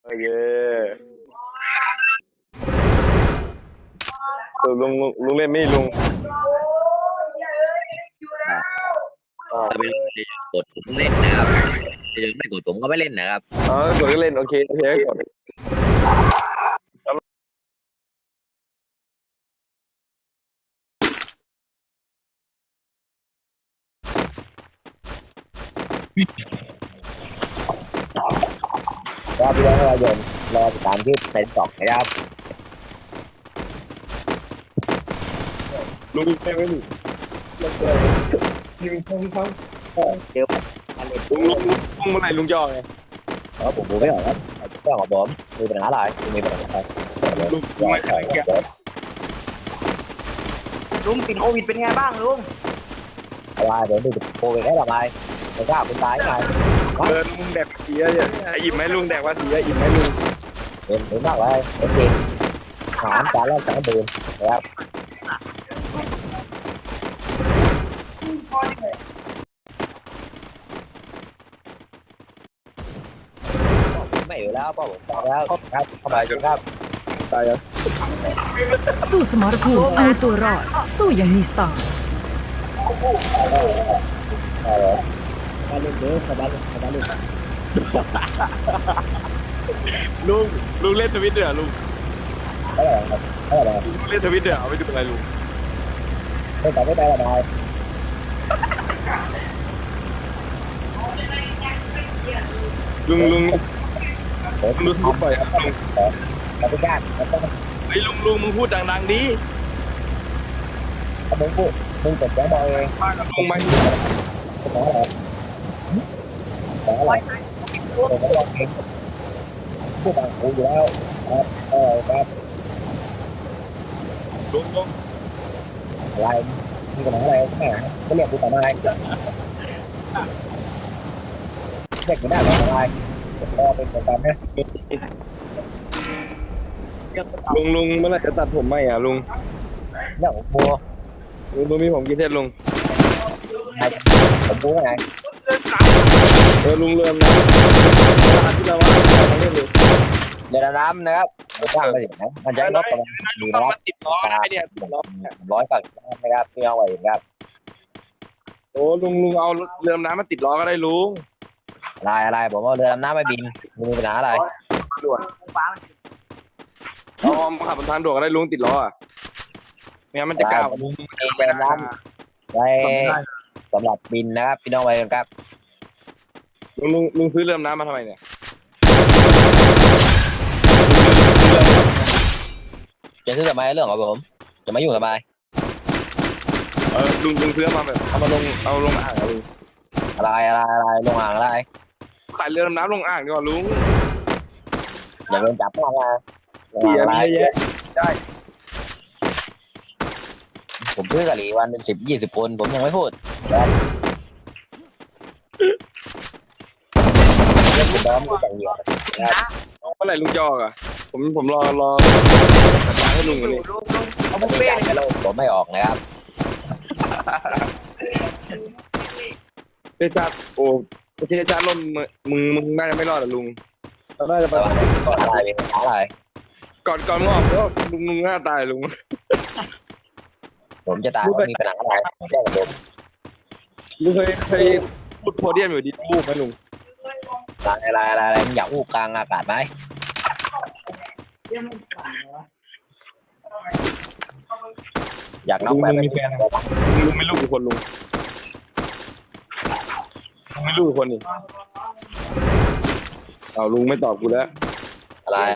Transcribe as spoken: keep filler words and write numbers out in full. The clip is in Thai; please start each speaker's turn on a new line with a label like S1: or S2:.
S1: โอเคลุงลุงลุงเล่นไม่ลุง
S2: ถ้าไม่กดผมเล่นนะครับถ้าไม่กดผมก็ไม่เล่นนะครับ
S1: อ๋อกดก็เล่นโอเคโอเคกด
S2: รอบที่แล้วเราโยนรอติดตามที่เซนสองนะครับ
S1: ลุงไม่ไม่ลุงยิงพงพง
S2: เดี๋ยวมาเล่น
S1: ลุงลุงลุงเมื่อไหร่ลุงจะออกไง
S2: เพราะผมดูไม่ออกครับก็ของผมมีปัญหาอะไรมีปัญหาอะไร
S1: ลุงลุงไม่ใช่แก
S3: ลุงติดโควิดเป็นไงบ้างลุง
S2: อะไรเดี๋ยวดูโควิดได้ทำไมไม่ทราบคุณตายไง
S1: เออลุงแดกเสียเนี่ยอิ่มไหมลุงแดกว่าเสียอิ่มไหมลุง
S2: เห็นเห็นมากเลยโอเคถามการแรกสองเดือนนะครับไม่อยู่แล้วพ่อผมตายแล้วครับเข้าไปครับ
S1: ตายแล้ว
S4: สู้สมรภูมิเอาตัวรอด สู้อย่างมีสไตล์
S2: มาเล่นเด้อสบายสบายเลย
S1: ลุงลุงเล่นทวิตเดือลุง
S2: เออเออ
S1: ลุงเล่นทวิตเดือเอาไปดูอะไรลุง
S2: ไม่แต่ไม่ได้ละนาย
S1: ลุงลุง
S2: ผม
S1: ลุงพูดบ่อยครับลุง
S2: เราไม่กล้าเราต้อง
S1: ไอ้ลุงลุงมึงพูดดังๆดิ
S2: มึงพูดมึงจดแจ้งบอกเอง
S1: ป้ากับลุงไหม
S2: ขออะไรขออะไรผมก็บอกเองพูดต่างกูอยู่แล้วครับเออครับ
S1: ลุงลุง
S2: อะไรมีปัญหาอะไรแม่ก็เรียกกูต่อมาเด็กไม่ได้หรอกอะไรก็เป็นคนตามนะ
S1: ลุงลุงเมื่อไหร่จะตัดผมไหมอ่ะลุง
S2: เรื่องของบัว
S1: ลุงลุงมีผมกี่เส้นลุง
S2: ผมบัวไง
S1: เออลุงเริ่มนะเวลาที่เราว่าเราเล่นเลย
S2: เรือดำน้ำนะครับไม่ทราบไปถึงนะมันจะลดประมาณ
S1: ลุ
S2: ดู
S1: ง
S2: นะ
S1: ต้องมาติดล้อได้เนี่ยติดล้อ
S2: ร้อยกับนะครับพี่เอาไว้ครับ
S1: โอ้ลุงลุงเอาเรือน้ำมาติดล้อก็ได้ลุง
S2: อะไรอะไรผมว่าเรือดำน้ำไม่บินมีปัญหาอะไร
S1: ด่วน
S3: ฟ้า
S1: เอามาขับบนทางด่วนก็ได้ลุงติดล้ออ่ะไม่งั้นมันจะก้าวลุง
S2: เรือดำน้ำไว้สำหรับบินนะครับพี่น้องไว้ครับ
S1: ลุงลุงลุงซื้อเรือน้ำมาทำไมเนี่ย
S2: จะซื้อทำไมเรื่องของผมจะมายุ่งทำไม
S1: เออลุงลุงซื้อมาแบบเอามาลงเอาลงอ่างอะลุง
S2: อะไรอะไรอะไรลงอ่างอะไร
S1: ขายเรือน้ำลงอ่างดีกว่าลุง
S2: อย่าโดนจับมาไง
S1: เสีย
S2: อะไร
S1: มีเยอะแยะ
S2: ผมซื้อกะหรี่วันเป็นสิบยี่สิบคนผมยังไม่พูดเรื่องผมน้องไม่แต่งเหยื่อ
S1: เมื่อไหร่ลุงจะออกอ่ะผมผมรอรอสัญญาให้ลุงกันนี่
S3: ลุงลุง
S2: เขาไม่ได้ใจแล้วผมไม่ออกนะครับ
S1: เทชาติโอ้เทชาติล่มมึงมึงน่าจะไม่รอดหรอลุงน่าจะไป
S2: แต่ว่าก็อะไรเป็นอะไร
S1: ก่อนก่อนมึงออกก็ลุงลุงหน้าตายลุง
S2: ผมจะตายก็มีปัญหาอะไรแจ้งกับผม
S1: ลุงเคยเคยพูดโพเดียมอยู่ดีบูบไหมลุง
S2: อะไรอะไรอะไรมึงอยากอู้กลางอากาศไหมอยากน็
S1: ลุ
S2: อก
S1: ง
S2: แบบ
S1: ลุงมีแฟนลุงลุงไม่ลูกกี่คนลุงลุงไม่ลูกกี่คนนี่เอาลุงไม่ตอบกูแล้ว
S2: อะไร